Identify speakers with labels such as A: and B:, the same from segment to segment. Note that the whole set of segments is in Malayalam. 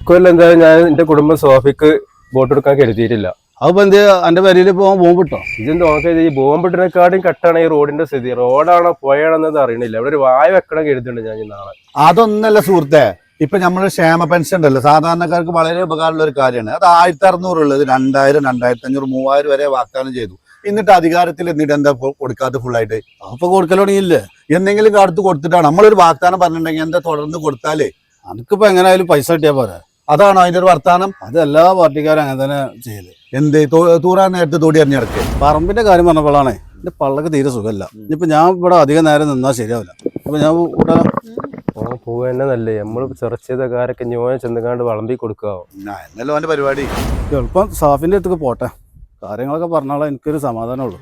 A: ഇക്കൊല്ലം എന്തായാലും ഞാൻ എന്റെ കുടുംബം സോഫിക്ക് ബോട്ട് എടുക്കാൻ കരുതിയിട്ടില്ല.
B: അതിപ്പോ എന്ത് എന്റെ പേരിൽ പോകാൻ ബോംബിട്ടോ?
A: ഇതെന്ത് നോക്കിയത് ഈ ബോംബിട്ടിനെക്കാട്ടും കട്ടാണ് ഈ റോഡിന്റെ സ്ഥിതി. റോഡാണോ പുഴയാണെന്നത് അറിയണില്ല. ഇവിടെ ഒരു വായ വെക്കണം കരുതുന്നുണ്ട് ഞാൻ നാളെ.
B: അതൊന്നല്ല സുഹൃത്തെ, ഇപ്പൊ നമ്മള് ക്ഷേമ പെൻഷൻ ഉണ്ടല്ലോ, സാധാരണക്കാർക്ക് വളരെ ഉപകാരമുള്ള ഒരു കാര്യമാണ്. അത് 1600 ഉള്ളത് 2000, 2500, 3000 വരെ വാഗ്ദാനം ചെയ്തു. എന്നിട്ട് അധികാരത്തിൽ എന്നിട്ട് എന്താ കൊടുക്കാത്ത ഫുള്ളായിട്ട്? അപ്പൊ കൊടുക്കലോണില്ലേ? എന്തെങ്കിലും കാലത്ത് കൊടുത്തിട്ടാണ് നമ്മളൊരു വാഗ്ദാനം പറഞ്ഞിട്ടുണ്ടെങ്കിൽ എന്താ തുടർന്ന് കൊടുത്താലേ എനിക്കിപ്പോ എങ്ങനെയായാലും പൈസ കിട്ടിയാ പോരാ. അതാണോ അതിന്റെ ഒരു വർത്താനം? അത് എല്ലാ പാർട്ടിക്കാരും അങ്ങനെ തന്നെ ചെയ്യല്. എന്ത് തൂറാൻ നേരത്തെ തോടി അറിഞ്ഞിടക്ക്. പറമ്പിന്റെ കാര്യം പറഞ്ഞപ്പോഴാണേ എന്റെ പള്ളക്ക് തീരെ സുഖമല്ല. ഇനിയിപ്പോ ഞാൻ ഇവിടെ അധികം നേരം നിന്നാ ശരിയാവില്ല. അപ്പൊ ഞാൻ ഇവിടെ
A: പോവുക തന്നെ നല്ലേ. നമ്മള് സെർച്ച് ചെയ്ത കാരൊക്കെ ഞാൻ ചെന്നുകാണ്ട് വളമ്പി കൊടുക്കാവോ?
B: എന്നല്ലോ അവന്റെ പരിപാടി. എളുപ്പം സാഫിന്റെ അടുത്തേക്ക് പോട്ടെ, കാര്യങ്ങളൊക്കെ പറഞ്ഞാലേ എനിക്കൊരു സമാധാനമുള്ളൂ.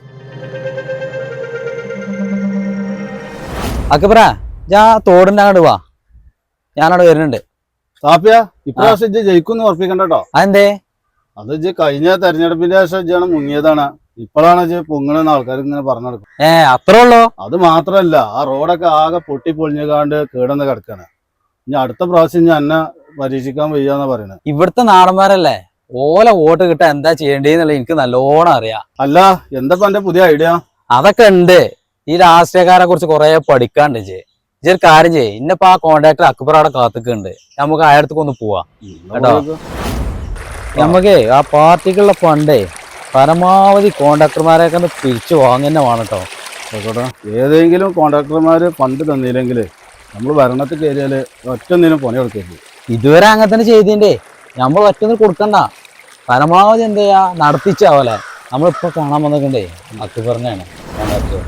C: അക്കപ്പറ ഞാൻ തോടിന്റെ അങ്ങോട്ട് വാ, ഞാനവിടെ വരുന്നുണ്ട്.
B: സാഫിയ, ഇപ്രാവശ്യം ജയിക്കും ഉറപ്പിക്കണ്ടോ?
C: അതെന്തേ?
B: അത് കഴിഞ്ഞ തെരഞ്ഞെടുപ്പിന്റെ ശേഷം മുങ്ങിയതാണ്. ഇപ്പോഴാണ് പൊങ്ങണെന്ന് ആൾക്കാർ ഇങ്ങനെ പറഞ്ഞു നടക്കും.
C: അത്രേ ഉള്ളൂ?
B: അത് മാത്രല്ല, ആ റോഡൊക്കെ ആകെ പൊട്ടി പൊളിഞ്ഞുകാണ്ട് കേടന്ന് കിടക്കാണ്. ഇനി അടുത്ത പ്രാവശ്യം ഞാൻ എന്നെ പരീക്ഷിക്കാൻ വയ്യാന്നാ പറയണത്.
C: ഇവിടുത്തെ നാടന്മാരല്ലേ, ഓല വോട്ട് കിട്ടാൻ എന്താ ചെയ്യേണ്ടതെന്നുള്ള എനിക്ക് നല്ലോണം അറിയാം.
B: അല്ല, എന്താ എന്റെ പുതിയ ഐഡിയ?
C: അതൊക്കെ ഉണ്ട്. ഈ രാഷ്ട്രീയക്കാരെ കുറിച്ച് കുറെ പഠിക്കാണ്ട് ഇതൊരു കാര്യം ചെയ്യേ. ഇന്നിപ്പോ ആ കോൺട്രാക്ടർ അക്ബർ അവിടെ കാത്തുക്കുണ്ട്. നമുക്ക് അയാളത്തേക്ക് ഒന്ന് പോവാ കേട്ടോ. നമുക്ക് ആ പാർട്ടിക്കുള്ള ഫണ്ടേ പരമാവധി കോൺട്രാക്ടർമാരെയൊക്കെ ഒന്ന് പിരിച്ചു വാങ്ങന്നെ വേണം കേട്ടോ.
B: ആയിക്കോട്ടെ, ഏതെങ്കിലും കോൺട്രാക്ടർമാര് ഫണ്ട് തന്നില്ലെങ്കിൽ നമ്മൾ ഭരണത്തിൽ കയറിയാല് ഒറ്റൊന്നിനും പണി കൊടുക്കരുത്.
C: ഇതുവരെ അങ്ങനെ തന്നെ ചെയ്തിന്റെ, നമ്മൾ ഒറ്റൊന്നും കൊടുക്കണ്ട. പരമാവധി എന്താ ചെയ്യാ നടത്തിച്ചാവല്ലേ. നമ്മളിപ്പോ കാണാൻ വന്നിട്ടുണ്ടേ അക്ബറിനെയാണ് കോൺട്രാക്ടർ.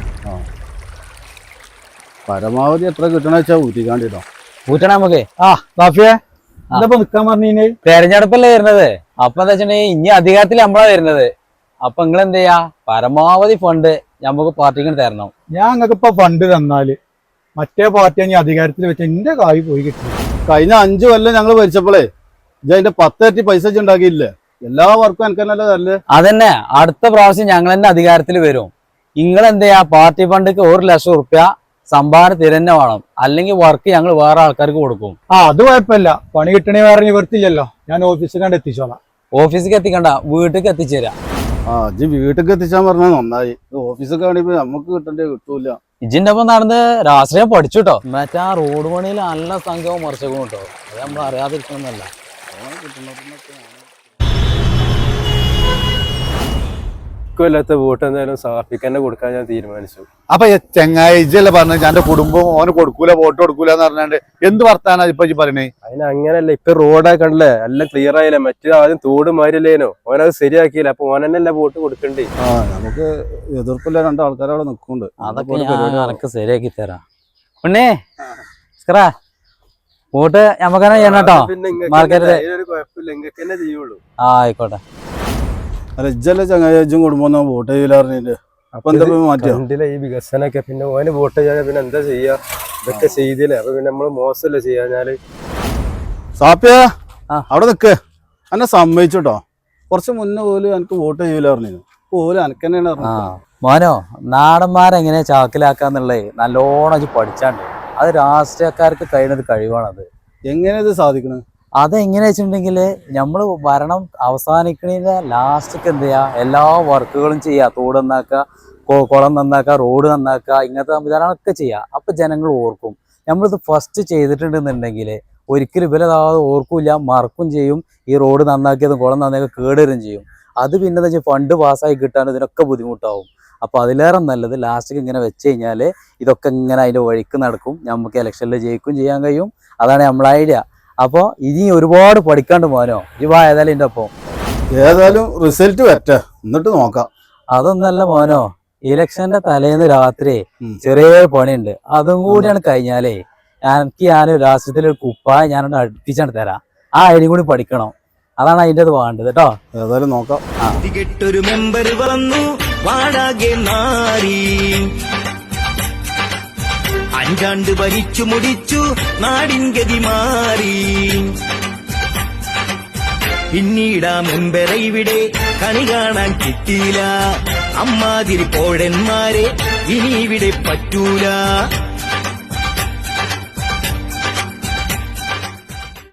B: പരമാവധി എത്ര കിട്ടണ വെച്ചാ ഊറ്റിക്കാണ്ടിട്ടോ.
C: ഊറ്റണം നമുക്ക്.
B: നിക്കാൻ പറഞ്ഞു
C: തെരഞ്ഞെടുപ്പല്ലേ വരുന്നത്. അപ്പൊ എന്താ വെച്ചിട്ടുണ്ടെങ്കിൽ ഇനി അധികാരത്തിൽ നമ്മളാ വരുന്നത്. അപ്പൊ നിങ്ങൾ എന്ത് ചെയ്യാ, പരമാവധി ഫണ്ട് നമുക്ക് പാർട്ടിക്ക് തരണം.
D: ഞാൻ നിങ്ങൾക്ക് ഇപ്പൊ ഫണ്ട് തന്നാല് മറ്റേ പാർട്ടി ഞാൻ അധികാരത്തിൽ വെച്ച എന്റെ കായ് പോയി കിട്ടും.
B: കഴിഞ്ഞ 5 കൊല്ലം ഞങ്ങൾ ഭരിച്ചപ്പോഴേ അതിന്റെ 10 ഇരട്ടി പൈസ ഉണ്ടാക്കിയില്ലേ? എല്ലാ വർക്കും എനിക്ക് തന്നെ തരല്.
C: അതന്നെ, അടുത്ത പ്രാവശ്യം ഞങ്ങൾ തന്നെ അധികാരത്തിൽ വരും. നിങ്ങൾ എന്ത് ചെയ്യാ, പാർട്ടി ഫണ്ടിക്ക് 1 ലക്ഷം റുപ്യ സംഭാവന തിരന്നെ വേണം. അല്ലെങ്കിൽ വർക്ക് ഞങ്ങൾ വേറെ ആൾക്കാർക്ക് കൊടുക്കും.
D: അത് കുഴപ്പമില്ല, പണി കിട്ടണേ വേറെ നിവർത്തില്ലല്ലോ. ഞാൻ ഓഫീസിൽ കണ്ട് എത്തിച്ചോളാം.
C: ഓഫീസിലേക്ക് എത്തിക്കണ്ട, വീട്ടിലേക്ക് എത്തിച്ചേരാ.
B: വീട്ടിലേക്ക് എത്തിച്ചാൻ പറഞ്ഞാൽ നന്നായി. ഓഫീസൊക്കെ ആണെങ്കിൽ നമുക്ക് കിട്ടണ്ടേ, കിട്ടൂല.
C: ഇജിന്റെ ഒപ്പം നടന്ന് രാഷ്ട്രീയം പഠിച്ചു കേട്ടോ. മറ്റേ ആ റോഡ് പണിയിൽ നല്ല സംഘവും മറിച്ചേക്കും കേട്ടോ. അത് നമ്മൾ അറിയാതിരിക്കണമെന്നല്ല.
A: ഇക്കൊല്ലാത്ത വോട്ട് എന്തായാലും സാഫിക്ക് തന്നെ കൊടുക്കാൻ ഞാൻ തീരുമാനിച്ചു.
B: അപ്പൊ ചെങ്ങായി ഇജല്ലേ പറഞ്ഞ എന്റെ കുടുംബം ഓന് കൊടുക്കൂല, വോട്ട് കൊടുക്കൂല എന്ന് പറഞ്ഞാണ്ട് എന്ത് വർത്താനാ ഇപ്പൊ പറയണേ?
A: അതിന് അങ്ങനല്ല, ഇപ്പൊ റോഡൊക്കെ കണ്ടല്ലേ, എല്ലാം ക്ലിയർ ആയില്ലേ. മറ്റേ ആദ്യം തോട് മാരില്ലേനോ, ഓനത് ശരിയാക്കിയില്ല. അപ്പൊ ഓനെന്നല്ല വോട്ട് കൊടുക്കണ്ടേ.
B: നമുക്ക് എതിർപ്പില്ല, 2 ആൾക്കാരവിടെ നിൽക്കുന്നുണ്ട്.
C: അതൊക്കെ ശരിയാക്കി തരാം. ഉണ്ണേ വോട്ട് ഞമ്മക്കന്നെ ചെയ്യണം കേട്ടോ. മാർക്കറ്റില്
A: കുഴപ്പമില്ല, ഇങ്ങക്ക് തന്നെ ചെയ്യുള്ളൂ.
C: ആയിക്കോട്ടെ.
B: അല്ല, ഇജ്ജല്ലേ ചങ്ങായും കുടുംബം വോട്ട് ചെയ്യില്ലാറിഞ്ഞിട്ട്. അപ്പൊ എന്താ മാറ്റില്ല
A: ഈ വികസനമൊക്കെ. പിന്നെ ഓന് വോട്ട് ചെയ്യാതെ പിന്നെ എന്താ ചെയ്യാ? ഇതൊക്കെ ചെയ്തില്ലേ. അപ്പൊ പിന്നെ നമ്മള് മോശമല്ലേ ചെയ്യാഞ്ഞാല്.
B: സാപ്പിയ അവിടെ നിക്ക്, എന്നെ സമ്മതിച്ചോട്ടോ. കുറച്ച് മുന്നേ പോലും എനിക്ക് വോട്ട് ചെയ്യില്ലാറിഞ്ഞു. പോലും എനിക്ക് തന്നെയാണ്.
C: മോനോ, നാടന്മാരെങ്ങനെ ചാക്കിലാക്കാന്നുള്ളത് നല്ലോണം പഠിച്ചാണ്ട്. അത് രാഷ്ട്രീയക്കാർക്ക് കഴിയുന്നത് കഴിവാണത്.
B: എങ്ങനെ ഇത് സാധിക്കണത്?
C: അതെങ്ങനെ വെച്ചിട്ടുണ്ടെങ്കിൽ നമ്മൾ ഭരണം അവസാനിക്കണതിന്റെ ലാസ്റ്റ്ക്ക് എന്ത് ചെയ്യാ, എല്ലാ വർക്കുകളും ചെയ്യുക. തോട് നന്നാക്കുക, കുളം നന്നാക്കുക, റോഡ് നന്നാക്കുക, ഇങ്ങനത്തെ സംവിധാനങ്ങളൊക്കെ ചെയ്യുക. അപ്പൊ ജനങ്ങൾ ഓർക്കും. നമ്മളിത് ഫസ്റ്റ് ചെയ്തിട്ടുണ്ടെന്നുണ്ടെങ്കിൽ ഒരിക്കലും ഇവരതാതെ ഓർക്കൂല, മറക്കും ചെയ്യും. ഈ റോഡ് നന്നാക്കിയതും കുളം നന്നാക്കിയത് കേടുവരും ചെയ്യും. അത് പിന്നെ എന്താ വെച്ചാൽ ഫണ്ട് പാസ്സായി കിട്ടാൻ ഇതിനൊക്കെ ബുദ്ധിമുട്ടാവും. അപ്പൊ അതിലേറെ നല്ലത് ലാസ്റ്റ്ക്ക് ഇങ്ങനെ വെച്ച് കഴിഞ്ഞാൽ ഇതൊക്കെ ഇങ്ങനെ അതിന്റെ വഴിക്ക് നടക്കും. നമുക്ക് ഇലക്ഷനിൽ ജയിക്കും ചെയ്യാൻ കഴിയും. അതാണ് നമ്മളെ ഐഡിയ. അപ്പൊ ഇനി ഒരുപാട് പഠിക്കാണ്ട് മോനോ. ഇവ ഏതായാലും എന്റെ ഒപ്പം
B: ഏതായാലും റിസൾട്ട് വരട്ടെ, എന്നിട്ട് നോക്കാം.
C: അതൊന്നല്ല മോനോ, ഇലക്ഷന്റെ തലേന്ന് രാത്രി ചെറിയ പണിയുണ്ട്. അതും കൂടിയാണ് കഴിഞ്ഞാലേ ഞാൻ രാഷ്ട്രീയത്തിലൊരു കുപ്പായ ഞാനോട് അടുപ്പിച്ചാണ് തരാം. ആ ഐഡിയും കൂടി പഠിക്കണം. അതാണ് അതിൻ്റെ അത് വേണ്ടത് കേട്ടോ.
B: ഏതായാലും നോക്കാം.
E: ഒരു മെമ്പർ വന്നു വാടാകെ നാരി 5 ആണ്ട് ഭരിച്ചു മുടിച്ചു നാടിൻ ഗതി മാറി. പിന്നീടാ മെമ്പറെ ഇവിടെ കണി കാണാൻ കിട്ടിയില്ല. അമ്മാതിരി പോഴന്മാരെ ഇനി ഇവിടെ പറ്റൂല.